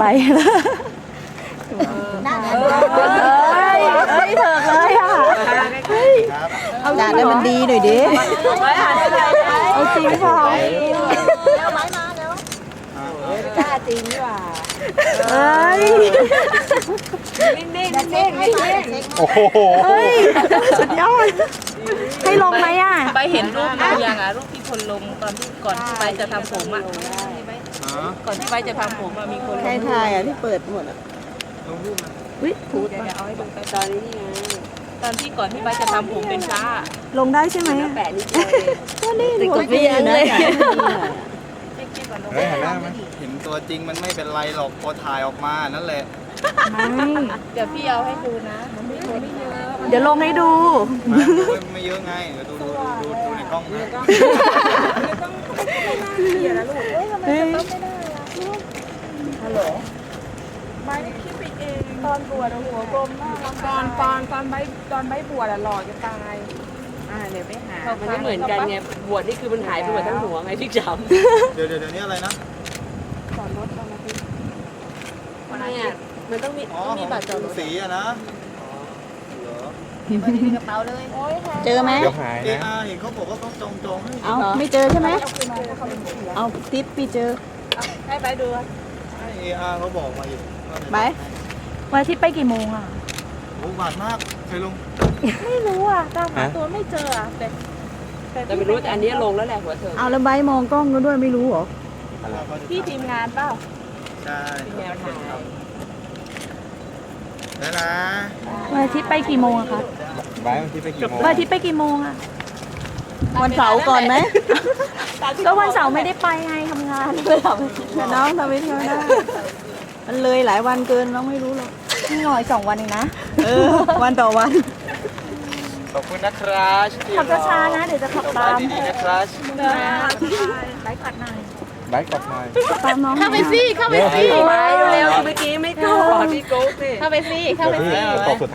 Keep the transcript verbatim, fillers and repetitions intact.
ไปนั่นเอ้ยเอ้ยเถิกเลยอ่ะครับจ่าได้มันดีหน่อยดิเอาจริงเปล่าเอาไม้มาแล้วกล้าจริงว่ะเอ้ยนิ่งๆนิ่งๆนิ่งโอ้โหเฮ้ยสุดยอดให้ลงไหมอ่ะไปเห็นรูปหรือยังอ่ะรูปที่คนลงตอนที่ก่อนที่ไปจะทำผมอ่ะก่อนที่ไปจะทำผมอ่ะมีคนลงใครถ่ายอ่ะที่เปิดหมดอ่ะลงรูปมาอุ๊ยพูดเดี๋ยวเอาให้ดูไปตอนนี้นี่ไงตอนที่ก่อนที่ไปจะทำผมเป็นพระลงได้ใช่ไหมอะแปะนี่เลยก็นี่หนูก็เปลี่ยนเลยเฮ้ยเห็นหน้าไหมเห็นตัวจริงมันไม่เป็นไรหรอกพอถ่ายออกมานั่นแหละไม่เดี๋ยวพี่เอาให้ดูนะมันไม่คนไม่เยอะเดี๋ยวลงให้ดูมาไม่เยอะไงเดี๋ยวดูดูดูดูในกล้องนะเฮ้ยใบคิดไปเองตอนบวชอะหัวกลมมากตอนตอนตอนใบตอนใบบวชอะหล่อจะตายอ่าเดี๋ยวไปหามันไม่เหมือนกันไงบวชนี่คือมันหายไปหมดทั้งหัวไงที่จเดี๋ยวเดี๋ยวเดี๋ยวนี้อะไรนะสอนรถตอนมาทีำเนี่ยมันต้องมีอ๋อต้องมีของบัตรจอดรถสีอะนะเหรอกระเป๋าเลยเจอไหมเดี๋ยวหายนะเออาเห็นเขาบอกว่าต้องจองจองให้เอาไม่เจอใช่ไหมเอาทิปพี่เจอให้ไปดูให้เออาเขาบอกมาอยู่ว่าจะไปวันอาทิตย์ไปกี่โมงอ่ะโอ้บาทมากเคยลงไม่รู้อ่ะตามหาฮะตัวไม่เจออ่ะแต่แต่ไม่รู้อันนี้ลงแล้วแหละหัวเธอเอาแล้วใบมองกล้องก็ด้วยไม่รู้เหรอพี่ทีมงานเปล่าใช่แนวถ่ายแล้วนะวันอาทิตย์ไปกี่โมงอะคะบายวันที่ไปกี่โมงวันอาทิตย์ไปกี่โมงอ่ะวันเสาร์ก่อนไหมก็วันเสาร์ไม่ได้ไปไงทำงานเลยทน้องทำไปเที่ยวได้มันเลยหลายวันเกินน้องไม่รู้หรอกำนี่หน่อยสองวันเองนะเออวันต่อวันขอบคุณนะครับที่ขับช้าๆนะ เดี๋ยวจะขับสตาบายมดีๆนะครับไลฟ์กัดหน่อยบายกลับมาตามน้องเข้าไปสิเข้าไปสิไปเร็วๆเมื่อกี้ไม่กดพี่โก้สิเข้าไปสิเข้าไปสิตกสุด